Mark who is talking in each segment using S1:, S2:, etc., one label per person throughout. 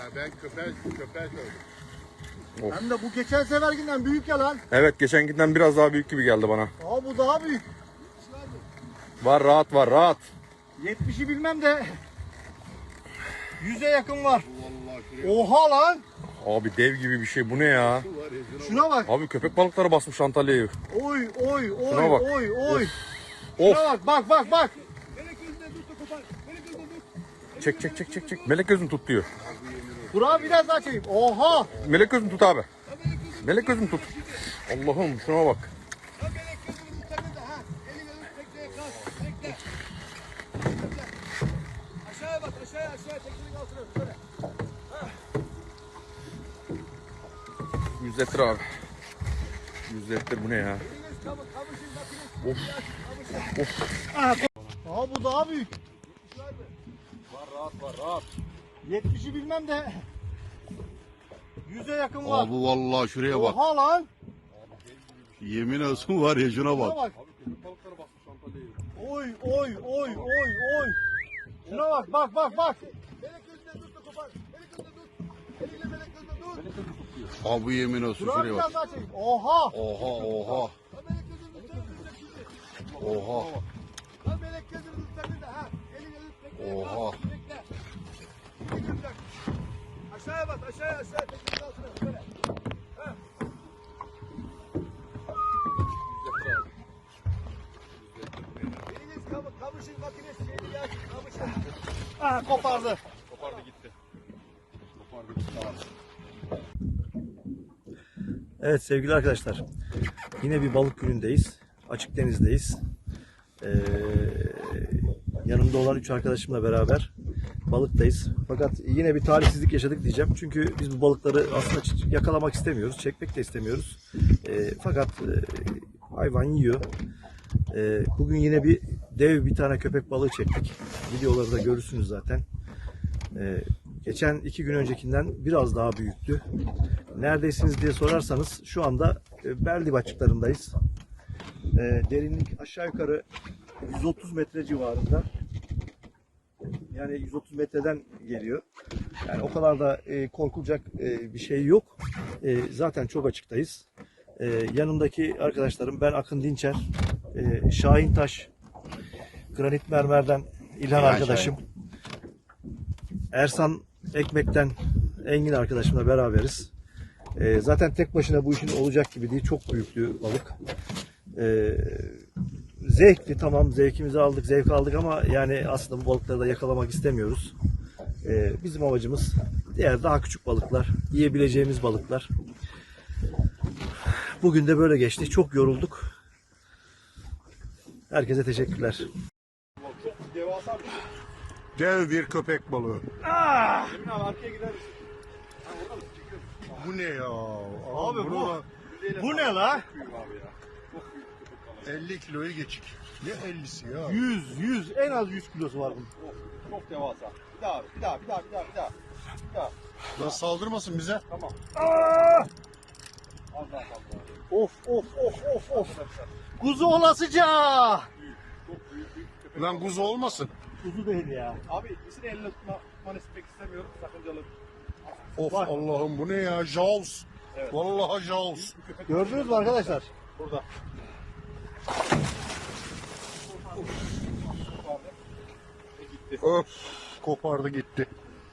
S1: Ben köpeğe söyledim.
S2: Of.
S3: Hem de bu geçen seferkinden büyük ya lan.
S2: Evet, geçenkinden biraz daha büyük gibi geldi bana.
S3: Aa bu daha büyük.
S2: Var, rahat var, rahat.
S3: 70'i bilmem de 100'e yakın var.
S1: Vallahi şuraya
S3: Oha lan.
S2: Abi dev gibi bir şey, bu ne ya?
S1: var ya.
S3: Şuna bak.
S2: Abi köpek balıkları basmış Antalya'yı.
S3: Oy oy oy
S2: Şuna bak.
S3: oy oy.
S2: Of.
S3: Şuna bak.
S2: Çek. Melek gözünü tut diyor.
S3: Dur abi biraz daha çekeyim. Oha.
S2: Melek gözünü tut abi. Melek gözünü tut. Allah'ım şuna bak.
S3: Aşağıya bak aşağıya teknenin altına şöyle.
S2: 100 litre abi. 100 litre, bu ne ya?
S3: Aa bu daha büyük.
S2: Var rahat.
S3: 70'i bilmem de 100'e yakın var.
S1: Abi vallahi şuraya bak.
S3: Oha lan.
S1: Yemin olsun var ya şuna
S3: Şuna
S1: bak.
S3: bak.
S2: Abi köpek balıkları basmış Antalya'yı.
S3: Oy. Şuna bak. Melek gözüne tut da kopar. Melek gözüne tut. Eliyle melek gözüne tut.
S1: Abi yemin olsun
S3: Dur abi
S1: şuraya bak.
S3: biraz daha çekeyim. Oha.
S1: Oha.
S3: Melek gözünü tut.
S1: Oha.
S3: Lan melek gözünü tut sen de ha. Eliyle tut. Bekle.
S1: Oha.
S3: Bekle. Bekle. Aşağıya bak aşağıya teknenin altına şöyle. Eliniz kamışın makinesi şeyini ya. Kamışın. Ah kopardı.
S2: Kopardı gitti.
S3: Evet sevgili arkadaşlar, yine bir balık günündeyiz, açık denizdeyiz. Yanımda olan 3 arkadaşımla beraber balıktayız. Fakat yine bir talihsizlik yaşadık diyeceğim. Çünkü biz bu balıkları aslında yakalamak istemiyoruz, çekmek de istemiyoruz. Fakat hayvan yiyor. Bugün yine dev bir tane köpek balığı çektik. Videoları da görürsünüz zaten. Geçen 2 gün öncekinden biraz daha büyüktü. Neredesiniz diye sorarsanız şu anda Berlib açıklarındayız. Derinlik aşağı yukarı 130 metre civarında. Yani 130 metreden geliyor. Yani o kadar da korkulacak bir şey yok. Zaten çok açıktayız. Yanımdaki arkadaşlarım, ben Akın Dinçer, Şahin Taş, Granit Mermer'den İlhan arkadaşım, Ersan Ekmek'ten Engin arkadaşımla beraberiz. Zaten tek başına bu işin olacak gibi değil. Çok büyüklü balık. Zevkli, tamam, zevkimizi aldık, zevk aldık ama yani aslında bu balıkları da yakalamak istemiyoruz. Bizim amacımız diğer daha küçük balıklar, yiyebileceğimiz balıklar. Bugün de böyle geçti. Çok yorulduk. Herkese teşekkürler.
S1: Dev bir köpek balığı.
S2: Emin abi arkaya gider misin?
S1: Bu ne ya?
S3: Abi
S1: bunu
S3: bu-
S1: da
S3: Bu ne la?
S1: 50 kiloyu geçik. Ne 50'si ya?
S3: 100 en az 100 kilosu var bunun.
S2: Çok devasa. Bir daha.
S1: Lan saldırmasın bize.
S2: Tamam. Az daha fazla.
S3: Of. Kuzu olasıca.
S1: Lan kuzu olmasın.
S3: Kuzu değil ya.
S2: Abi ikisini elle tutmanı istemek istemiyorum. Sakıncalı.
S1: Of
S3: Bak.
S1: Allah'ım bu ne ya? Jaws.
S2: Evet.
S1: Vallahi Jaws.
S3: Gördünüz mü arkadaşlar?
S2: Burada.
S1: Öf. Kopardı gitti.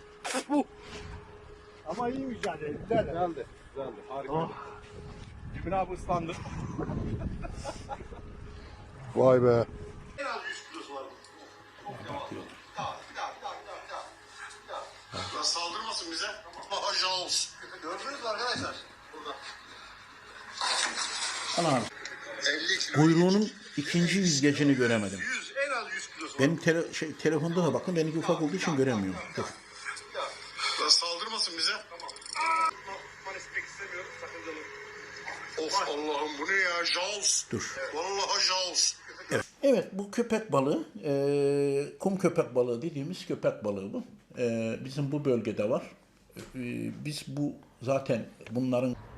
S3: Ama iyi mücadele. Güzel.
S2: Güzeldi. Harika.
S3: Oh.
S2: Emin abi ıslandı.
S1: Vay be. Lan saldırmasın bize. Vallahi Jaws.
S3: Gördünüz mü arkadaşlar?
S4: Ana
S1: 50 kilo.
S4: kuyruğunun ikinci yüzgecini göremedim.
S1: 100 en az 100 kilosu.
S4: Benim telefonda da bakın, benimki ufak olduğu için göremiyorum. Dur.
S1: Lan saldırmasın bize.
S2: Tutmanı istemek istemiyorum. Sakıncalı.
S1: Of Allah'ım bu ne ya? Jaws.
S4: Dur.
S1: Vallahi Jaws.
S4: Evet, bu köpek balığı, kum köpek balığı dediğimiz köpek balığı bu. Bizim bu bölgede var. Biz bu zaten bunların